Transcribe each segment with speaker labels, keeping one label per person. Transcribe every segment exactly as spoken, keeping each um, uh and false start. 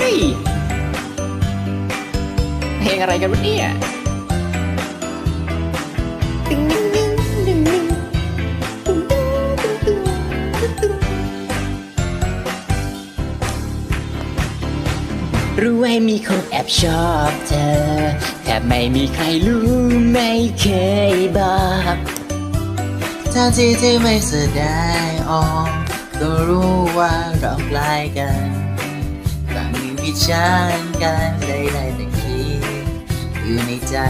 Speaker 1: ยเพลงอะไรกันวะเนี่ยตึงตึงตึงตึงตึงตึงตึงตึงตึงรู้ไว้มีคนแอบชอบเธอแต่ไม่มีใครรู้ไม่เคยบอก
Speaker 2: ถ้าที่ที่ไม่แสดงออกก็รู้ว่าเราใกล้กันต่างมีวิจารณ์กันได้ได้แต่คิดอยู่ในใจ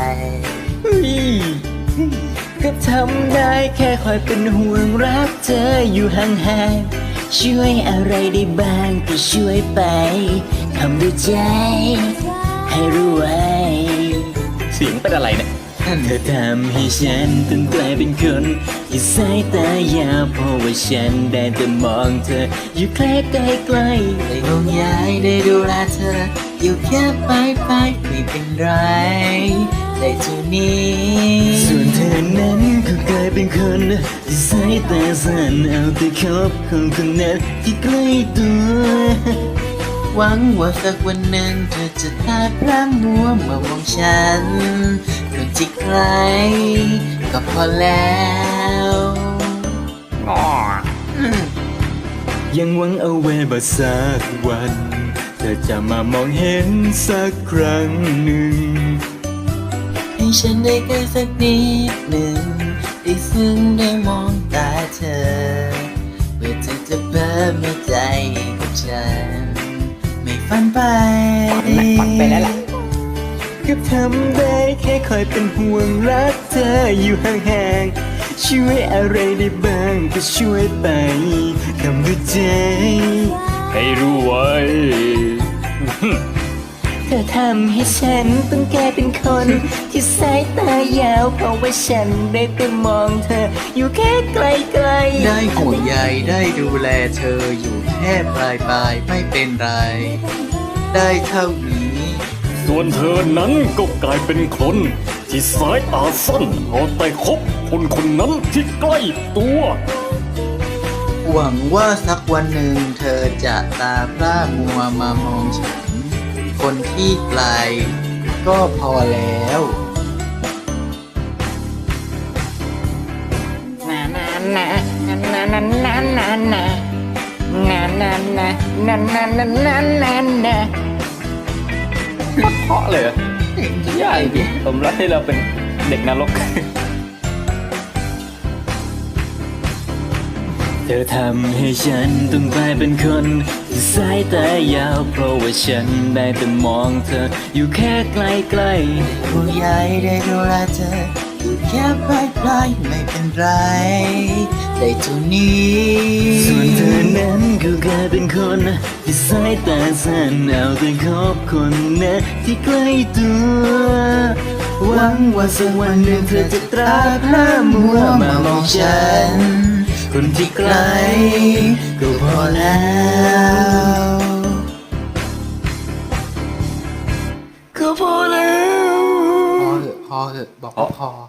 Speaker 1: ก็ทำได้แค่คอยเป็นห่วงรักเธออยู่ห่างๆช่วยอะไรได้บ้างก็ช่วยไปทำด้วยใจให้รู้ไว้เสียงเป็นอะไรเนี่ยเธอทำให้ฉันต้องกลายเป็นคนที่สายตายาวเพราะว่าฉันได้แต่มองเธออยู่ใกล้ใกล้ใกล้
Speaker 2: ได้ห่วงใยได้ดูแลเธออยู่แค่ปลายปลายไม่เป็นไรได้เท่านี้
Speaker 1: ส่วนเธอนั้นก็กลายเป็นคนที่สายตาสั้นเอาแต่คบคนคนนั้นที่ใกล้ตัว
Speaker 2: หวังว่าสักวันหนึ่งเธอจะตาพร่ำมัวมามองฉันคนที่ใครก็พอแล้ว
Speaker 1: ยังหวังเอาไว้บ่สักวันเธอจะมามองเห็นสักครั้งหนึ่ง
Speaker 2: ให้ฉันได้ใกล้สักนิดหนึ่งได้ซึ้งได้มองตาเธอเพื่อเธอจะเพิ่มหัวใจกับฉันไม่ฝันไป
Speaker 1: ฝันไปแล้วล่ะก็ทำได้แค่คอยเป็นห่วงรักเธออยู่ห่างๆช่วยอะไรได้บ้างก็ช่วยไปทำด้วยใจให้รู้ไว้เธอทำให้ฉันต้องกลายเป็นคนที่สายตายาวเพราะว่าฉันได้แต่มองเธออยู่แค่ไกลๆ
Speaker 2: ได้ห่วงใยได้ดูแลเธออยู่แค่ปลายปลายไม่เป็นไรได้เท่านี้
Speaker 3: ส่วนเธอนั้นก็กลายเป็นคนที่สายตาสั้นเอาแต่คบคนคนนั้นที่ใกล้ตัว
Speaker 2: หวังว่าสักวันหนึ่งเธอจะตาพร่ามัวมามองฉันคนที่ไกลก็พอแล้ว
Speaker 1: นานานานานานานานานานานานานานานานานานาเพราะเลยยากจริงผมรักที่เราเป็นเด็กนรกเธอทำให้ฉันต้องกลายเป็นคนที่สายตายาวเพราะว่าฉันได้แต่มองเธออยู่แค่ไกลไกล
Speaker 2: ผู้ใหญ่ได้ดูแลเธออยู่แค่ปลายปลายไม่เป็นไรได้เท่านี้
Speaker 1: ส่วนเธอนั้นก็กลายเป็นคนที่สายตาสั้นเอาแต่คบคนนั้นที่ใกล้ตัว
Speaker 2: หวังว่าสักวันหนึ่งเธอจะตราพร่ามัวมามองฉันคนที่ไกลก็พอแล้ว
Speaker 1: ก็พอแล้ว
Speaker 2: พอเถอะพอเถอะบอกพอ